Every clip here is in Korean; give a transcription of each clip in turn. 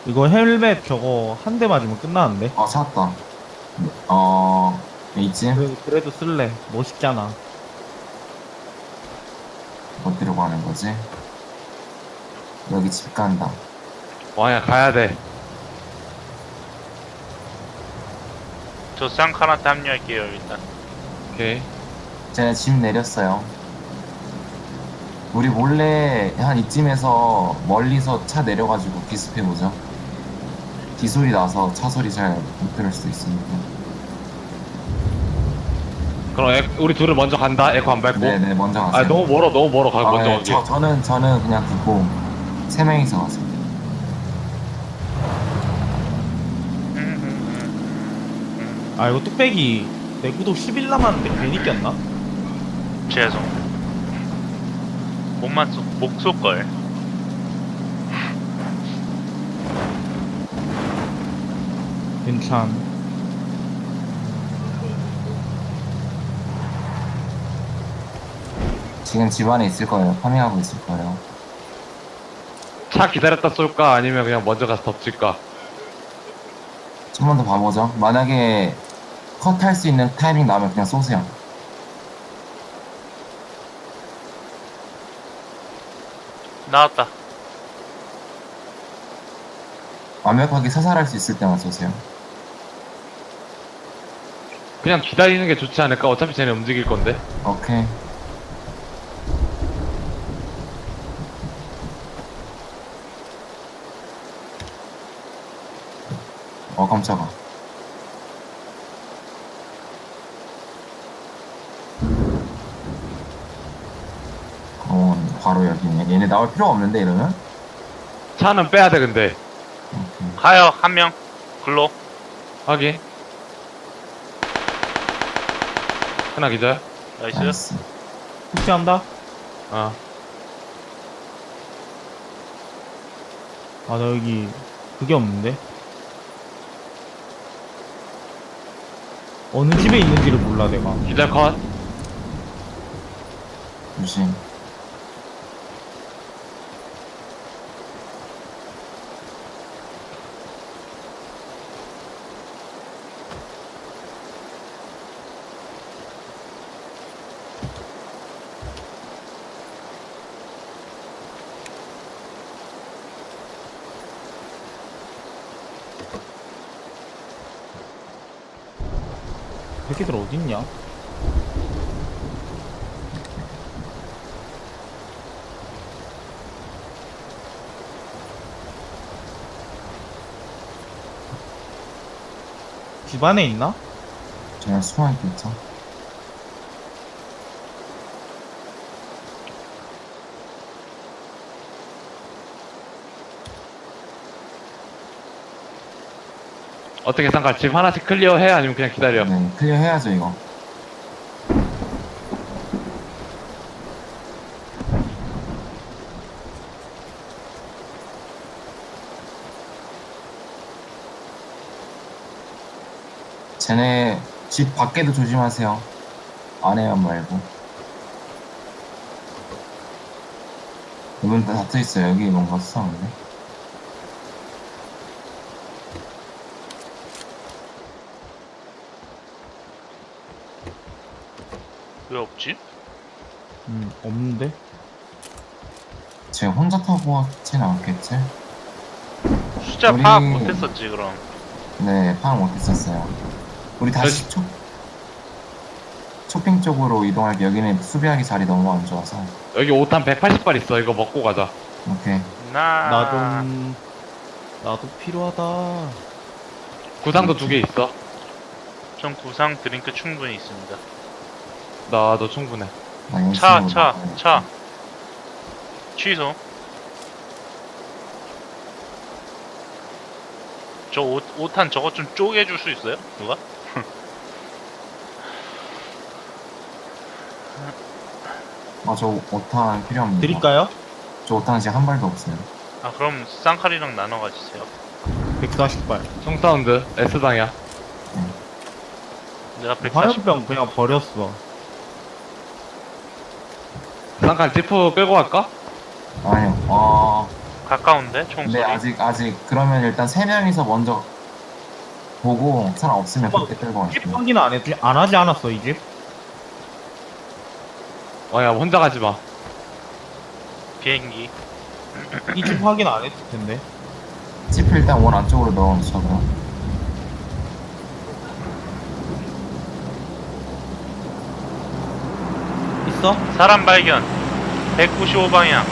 이거 헬멧 저거 한 대 맞으면 끝나는데. 찾았다. 이쯤? 그래도 쓸래. 멋있잖아. 어디로 가는 거지? 여기 집 간다. 왕이야 가야 돼. 저 쌍칼한테 합류할게요 일단. 오케이. 쟤네 집 내렸어요. 우리 몰래 한 이쯤에서 멀리서 차 내려가지고 기습해보죠. 기소리 나서 차 소리 잘 못 들을 수도 있으니까. 그럼 우리 둘을 먼저 간다. 에코 안 밟고. 네네, 먼저 가세요. 아 너무 멀어. 가 먼저 네, 가기. 저는 그냥 듣고 세 명이서 가세요. 아 이거 뚝배기 내 구독 10일 남았는데 괜히 꼈나? 죄송. 목 쏠걸. 괜찮. 지금 집 안에 있을 거예요. 파밍하고 있을 거예요. 차 기다렸다 쏠까 아니면 그냥 먼저 가서 덮칠까? 좀만 더 봐보죠. 만약에 컷할 수 있는 타이밍 나면 그냥 쏘세요. 나왔다. 완벽하게 사살할 수 있을 때만 쏘세요. 그냥 기다리는 게 좋지 않을까? 어차피 쟤네 움직일 건데. 오케이. 깜짝아. 바로 여기네. 얘네 나올 필요가 없는데 이러면? 차는 빼야 돼 근데. 오케이. 가요 한 명. 글로. 확인. 하나 기절. 나이스. 나이스. 푸시한다? 어. 아 나 여기 그게 없는데? 어느 집에 있는지를 몰라 내가. 기절 컷. 조심. 새끼들 어딨냐? 집 안에 있나? 제가 숨어있겠죠. 어떻게 상관? 집 하나씩 클리어해 아니면 그냥 기다려? 네, 클리어 해야죠 이거. 쟤네 집 밖에도 조심하세요. 안에만 말고. 이분 다 닫혀있어요. 여기 뭔가 수상한데. 왜 없지? 없는데? 쟤 혼자 타고 왔진 않겠지? 숫자 우리- 파악 못했었지 그럼. 네, 파악 못했었어요. 우리 다시 쇼핑 쪽으로 이동할게. 여기는 수비하기 자리 너무 안 좋아서. 여기 5탄 180발 있어. 이거 먹고 가자. 오케이. 나도 필요하다. 구상도 2개 있어. 전 구상 드링크 충분히 있습니다. 나도 충분해. 나 차 연습으로 나가야겠다. 취소. 저 5탄 저것 좀 쪼개줄 수 있어요? 누가? 저 5탄 필요 없는데. 드릴까요? 저 5탄 지금 한 발도 없어요. 아 그럼 쌍칼이랑 나눠 가지세요. 140발. 총사운드 S방이야. 내가 140. 화염병 그냥 버렸어. 쌍칼 지프 끌고 갈까? 아니요. 가까운데 총소리. 근데 아직 그러면 일단 세 명이서 먼저 보고 사람 없으면 그때 끌고 집 갈게요. 확인 안 하지 않았어 이 집? 야 혼자 가지 마. 비행기. 이 집 확인 안 했을 텐데. 칩을 일단 원 안쪽으로 넣어놓죠 그럼. 있어? 사람 발견. 195방향.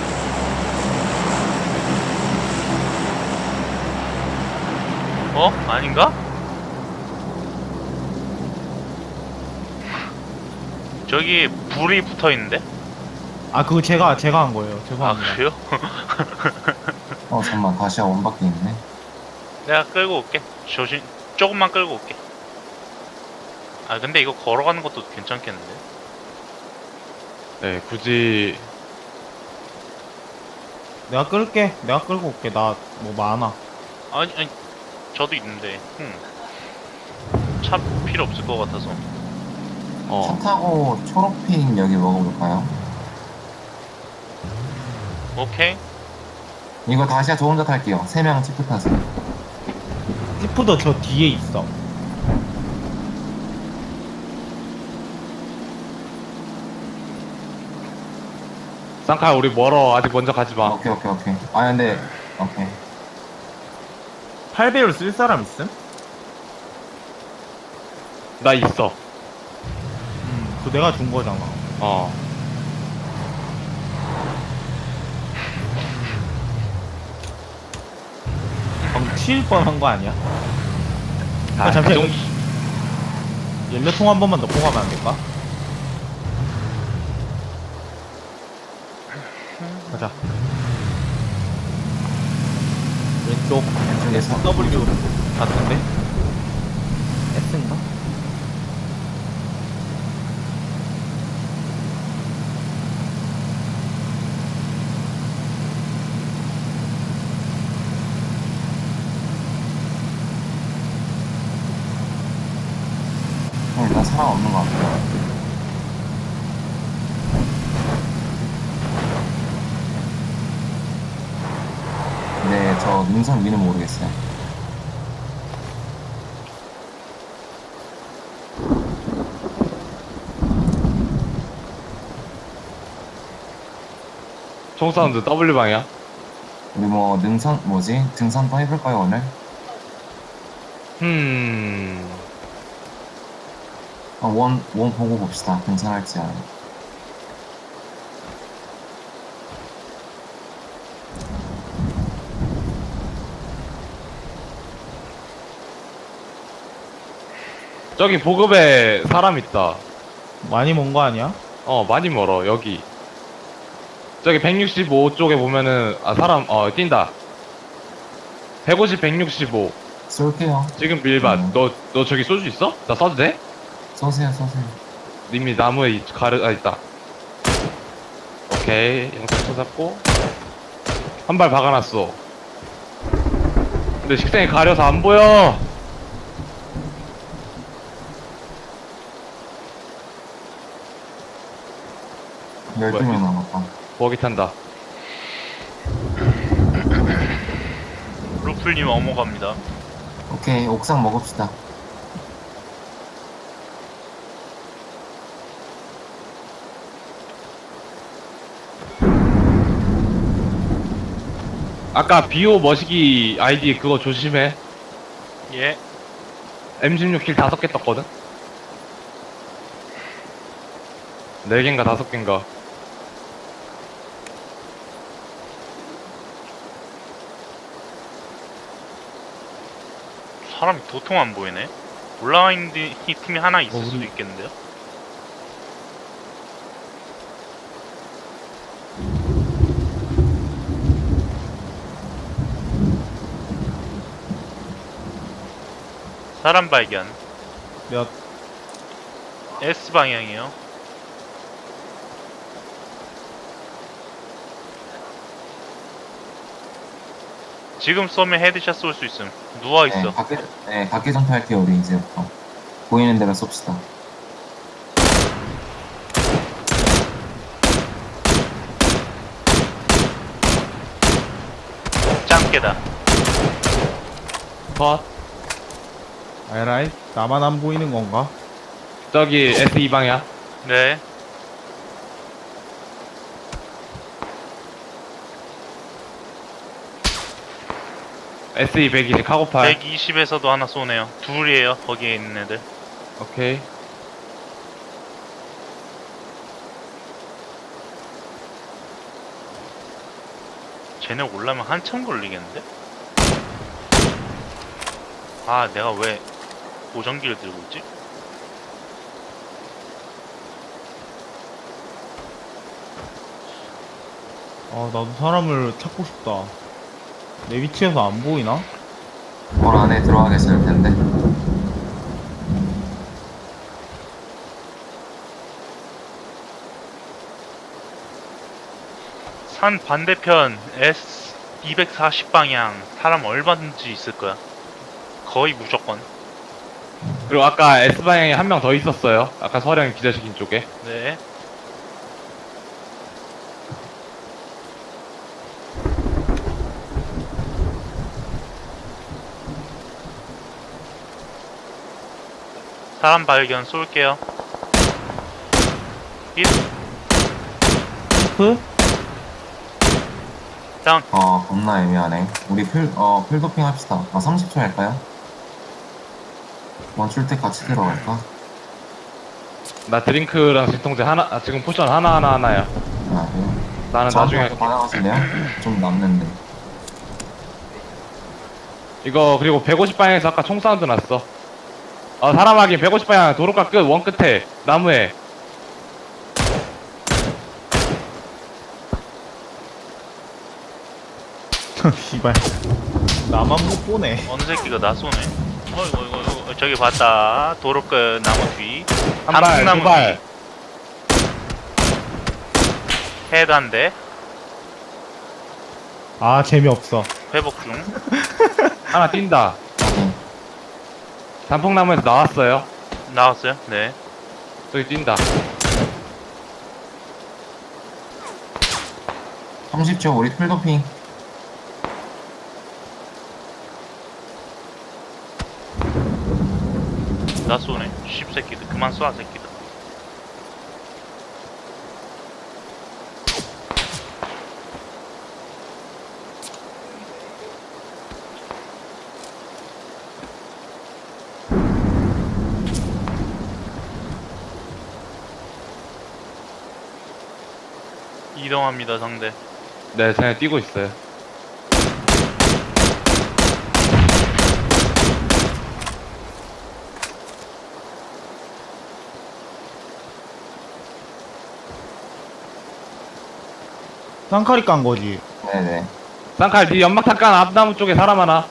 어? 아닌가? 저기 불이 붙어 있는데? 아 그거 제가 한 거예요. 아 죄송합니다. 그래요? 잠깐만 다시야 원밖에 있네. 내가 끌고 올게. 조심. 조금만 끌고 올게. 아 근데 이거 걸어가는 것도 괜찮겠는데? 네 굳이 내가 끌게. 내가 끌고 올게. 나 뭐 많아. 아니 저도 있는데. 차 필요 없을 것 같아서. 차 타고 초록핑 여기 먹어볼까요? 오케이. 이거 다시야 저 혼자 탈게요. 세 명 치프 타세요. 지프도 저 뒤에 있어. 쌍칼 우리 멀어. 아직 먼저 가지 마. 오케이. 아 근데 오케이. 8배율 쓸 사람 있음? 나 있어. 그거 내가 준 거잖아. 어. 방금 치일 뻔한 거 아니야? 아, 잠시만. 그 정도- 연료통 한 번만 넣고 가면 안 될까? 가자. 왼쪽 왼쪽에서 W 같은데? S인가? 일단 사람 없는 것 같아요. 네, 저 능선 위는 모르겠어요. 총 사운드 W 방이야. 우리 뭐 능선 뭐지? 등산 또 해볼까요 오늘? 원 보고 봅시다. 등산할지 안. 저기 보급에 사람 있다. 많이 먼 거 아니야? 많이 멀어. 여기. 저기 165 쪽에 보면은 사람 뛴다. 150, 165. 쏠게요. 지금 밀밭. 너 저기 쏠 수 있어? 나 쏴도 돼? 쏘세요. 이미 나무에 있다. 오케이. 영상 잡고 한 발 박아놨어. 근데 식생이 가려서 안 보여. 12명 남았다. 버기 탄다. 루플님 어머 갑니다. 오케이, 옥상 먹읍시다. 아까 비오 머시기 아이디 그거 조심해. 예. M16킬 5개 떴거든? 4개인가 5개인가. 사람이 도통 안 보이네. 올라와 있는 이 팀이 하나 있을 우리- 수도 있겠는데요? 사람 발견. 몇 S 방향이요. 지금 쏘면 헤드샷 쏠 수 있음. 누워 있어. 밖에 전투할게요, 우리 이제부터. 보이는 대로 쏩시다. 컷. 에라이 나만 안 보이는 건가? 저기 S2 방향. 네. SE 120 카고팔. 120에서도 하나 쏘네요. 둘이에요. 거기에 있는 애들. 오케이. 쟤네 올라면 한참 걸리겠는데? 아, 내가 왜 보정기를 들고 있지? 아 나도 사람을 찾고 싶다. 내 위치에서 안 보이나? 뭘 안에 들어가 계실 텐데. 산 반대편 S 240 방향 사람 얼마든지 있을 거야. 거의 무조건. 그리고 아까 S 방향에 한 명 더 있었어요. 아까 서령 기자시킨 쪽에. 네. 사람 발견 쏠게요. 힛. 프? 다운. 겁나 애매하네. 우리 필도핑 합시다. 30초 할까요? 멈출 때 같이 들어갈까? 나 드링크랑 진통제 하나, 지금 포션 하나야. 그래요? 나는 나중에 저한테 할게. 받아가실래요? 좀 남는데. 이거 그리고 150 방향에서 아까 총 사운드 났어. 사람 확인 150 방향 도로가 끝 원 끝에 나무에. 씨발 나만 못 보네. 어느 새끼가 나 쏘네. 어이구, 저기 봤다. 도로 끝 나무 뒤. 한 발, 단풍나무 두 발. 헤드 한 대. 아 재미없어. 회복 중. 하나 뛴다. 확인. 단풍나무에서 나왔어요. 나왔어요? 네. 저기 뛴다. 30초 우리 필도핑. 나 쏘네. 씹새끼들. 그만 쏴, 새끼들. 이동합니다, 상대. 네, 쟤네 뛰고 있어요. 쌍칼이 깐 거지. 네네. 쌍칼, 니 연막탄 깐 앞나무 쪽에 사람 하나.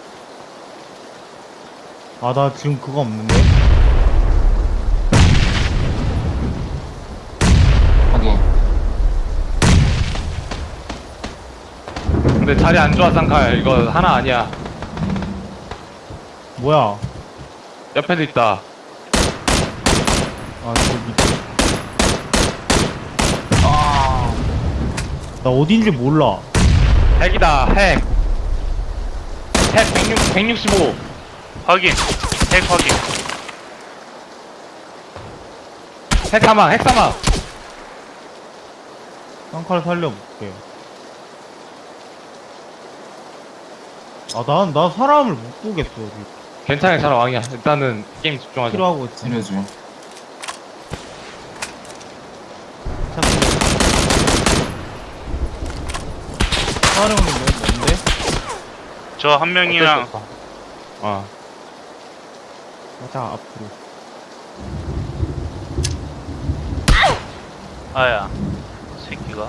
아 나 지금 그거 없는데. 확인. 근데 자리 안 좋아, 쌍칼. 이거 하나 아니야. 뭐야? 옆에도 있다. 아 저기. 나 어딘지 몰라. 핵이다, 핵. 핵 165. 확인. 핵 확인. 핵 사망, 핵 사망. 쌍칼 살려볼게. 나 사람을 못 보겠어. 지금. 괜찮아, 잘 왕이야. 일단은 게임 집중하자. 필요하고 있지. 치료주. 사령이 뭔데? 저 한 명이랑 어쩔 수 없어. 어. 가자 앞으로. 아야. 새끼가.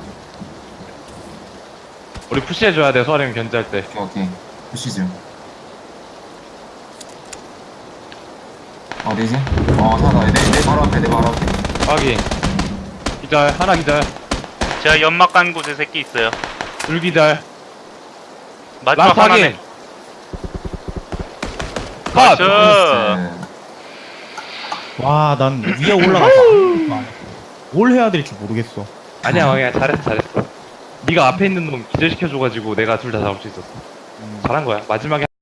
우리 푸시해줘야 돼, 소아령 견제할 때. 오케이. 푸시죠. 어디지? 찾아. 내 바로 앞에, 내 바로 앞에. 확인. 기절, 하나 기절. 제가 연막 간 곳에 새끼 있어요. 둘 기절. 마지막 라스트 하나네. 확인. 컷! 나이스. 와, 난 위에 올라가서 뭘 해야 될지 모르겠어. 아니야, 왕이야. 잘했어. 네가 앞에 있는 놈 기절시켜줘가지고 내가 둘 다 잡을 수 있었어. 잘한 거야. 마지막에